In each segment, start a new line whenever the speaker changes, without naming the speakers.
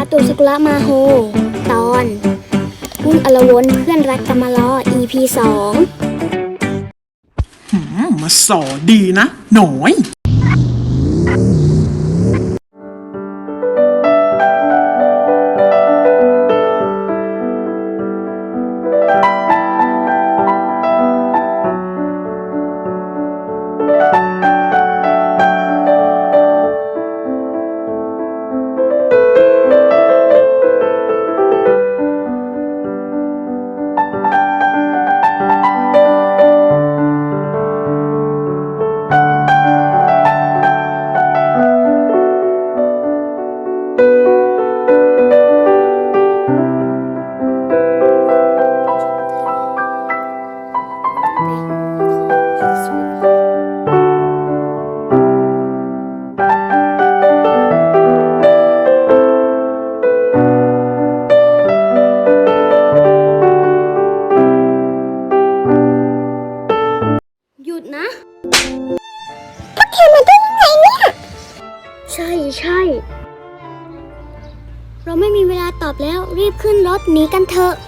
ตุสกุละมาโฮตอนวุ่นอลวนเพื่อนรักกำมะล้อ EP 2
มาสอดีนะหน่อย
หยุดนะพวกเธอมาได้ยังไงเนี่ยใช่เราไม่มีเวลาตอบแล้วรีบขึ้นรถหนีกันเถอะ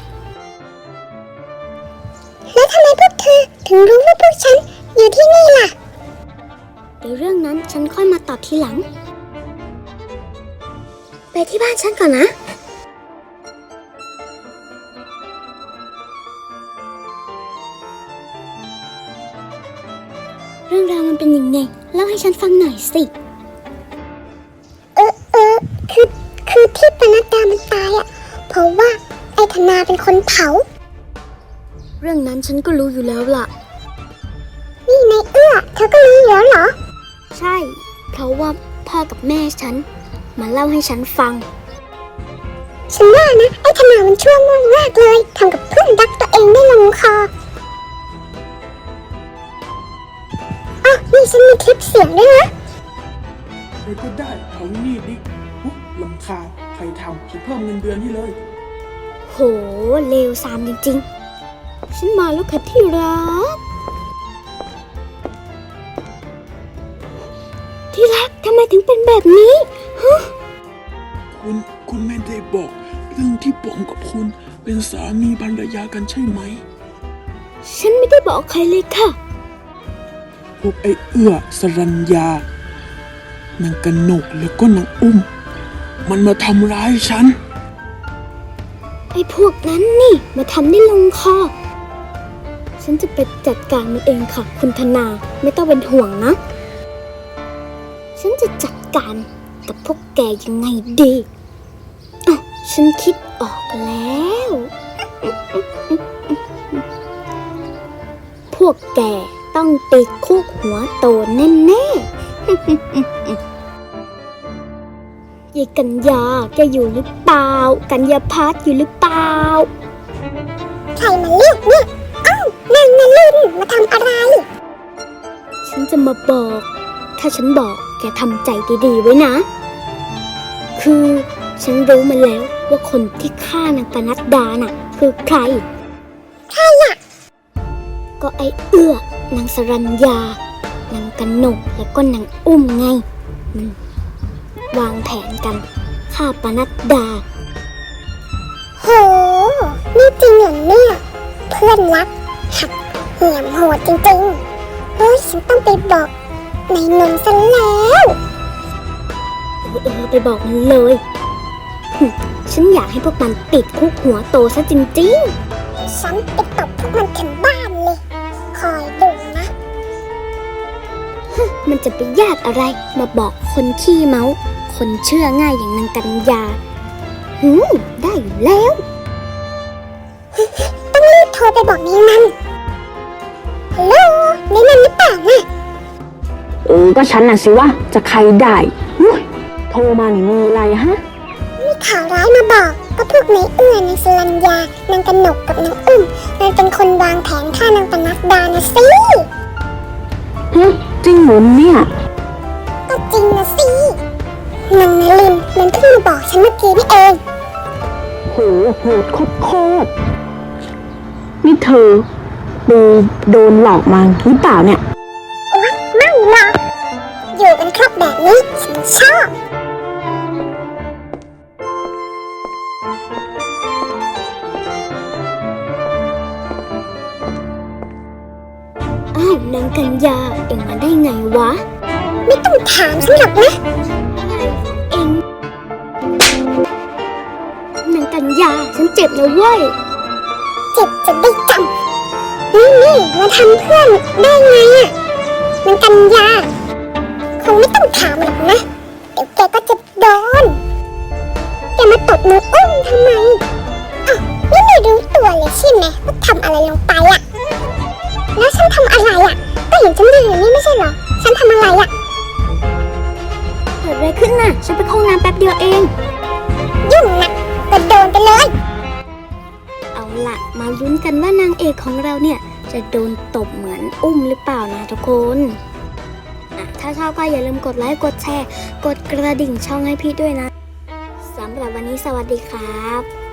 แล้วทำไมพวกเธอถึงรู้ว่าพวกฉันอยู่ที่นี่ล่ะเดี๋ยวเรื่องนั้นฉันค่อยมาตอบทีหลังไปที่บ้านฉันก่อนนะเรื่องราวมันเป็นยังไงเล่าให้ฉันฟังหน่อยสิคือที่ปนัดดามันตายอ่ะเพราะว่าไอ้ธนาเป็นคนเผาเรื่องนั้นฉันก็รู้อยู่แล้วล่ะนี่นายเอื้อเธอก็รู้แล้วเหรอใช่เพราะว่าพ่อกับแม่ฉันมาเล่าให้ฉันฟังฉันว่านะไอ้ธนามันชั่วมากเลยทำกับเพื่อนรักตัวเองได้ลงคอนี่ฉันมีคลิปเสียงด้วยนะ
ใครก็ได้เอานี่ดิลำคาญใครทำฉันเพิ่มเงินเดือนให้เลย
โหเลวซามจริงๆฉันมาแล้วค่ะที่รักทำไมถึงเป็นแบบนี้ฮะ
คุณไม่ได้บอกเรื่องที่ผมกับคุณเป็นสามีภรรยากันใช่ไหม
ฉันไม่ได้บอกใครเลยค่ะ
พวกไอ้เอื้อสรัญญานางกนกแล้วก็นางอุ้มมันมาทำร้ายฉัน
ไอ้พวกนั้นนี่มาทำได้ลงคอฉันจะไปจัดการมันเองค่ะคุณธนาไม่ต้องเป็นห่วงนะฉันจะจัดการกับพวกแกยังไงดีฉันคิดออกแล้วพวกแกต้องติดคุกหัวโตแน่ๆยายกัญญาแกอยู่หรือเปล่ากัญญาพัฒน์อยู่หรือเปล่าใครมาเรียกเนี่ยนางนลินมาทำอะไรฉันจะมาบอกถ้าฉันบอกแกทำใจดีๆไว้นะคือฉันรู้มาแล้วว่าคนที่ฆ่านางปนัดดาน่ะคือใครอ่ะก็ไอ้เอื้อนางสรัญญานางกนกแล้วก็นางอุ้มไงมันวางแผนกันฆ่าปนัดดาโหนี่จริงเหรอเนี่ยเพื่อนรักหักเหี้ยมโหดจริงๆเฮ้ยฉันต้องไปบอกนายนนท์ซะแล้วไปบอกมันเลยฉันอยากให้พวกมันติดคุกหัวโตซะจริงๆฉันไปตบพวกมันถึงบ้านเลยคอยดูนะมันจะไปยากอะไรมาบอกคนขี้เมาคนเชื่อง่ายอย่างนางกัญญาได้อยู่แล้วต้องรีบโทรไปบอกนายนันฮัลโหลนายนันหรือเปล่านะ
ก็ฉันน่ะสิวะจะใครได้โทรมานี่มีอะไรฮะ
มีข่าวร้ายมาบอกก็พวกนายเอื้อนางสรัญญานางกนกกับนางอุ้มมันเป็นคนวางแผนฆ่านางปนัดดานะสิ
จริงเหรอเนี่ย
ก็จริงนะสินางนลินมันเพิ่งมาบอกฉันเมื่อกี้นี่เอง
โหดโคตรนี่เธอโดนหลอกมาหรือเปล่าเนี่ย
ไม่หรอกอยู่กันครบแบบนี้ฉันชอบยังกัญญาเอ็งมาได้ไงวะ ไม่ต้องถามฉันหรอกนะเอ็งนางกัญญาฉันเจ็บนะเว้ยเจ็บจะได้จำนี่มาทำเพื่อนได้ไงอะนางกัญญาคงไม่ต้องถามหรอกนะเดี๋ยวแกก็จะโดนแกมาตบมืออุ้มทำไมอ้าวนี่ไม่รู้ตัวเลยใช่ไหมว่าทำอะไรลงไปอะแล้วฉันทำอะไรอะก็เห็นฉันยืนอยู่นี่ไม่ใช่เหรอฉันทำอะไรอะเกิดอะไรขึ้นน่ะฉันไปเข้าห้องน้ำแป๊บเดียวเองยุ่งนะก็โดนไปเลยเอาล่ะมาลุ้นกันว่านางเอกของเราเนี่ยจะโดนตบเหมือนอุ้มหรือเปล่านะทุกคนถ้าชอบก็อย่าลืมกดไลค์กดแชร์กดกระดิ่งช่องให้พี่ด้วยนะสำหรับวันนี้สวัสดีครับ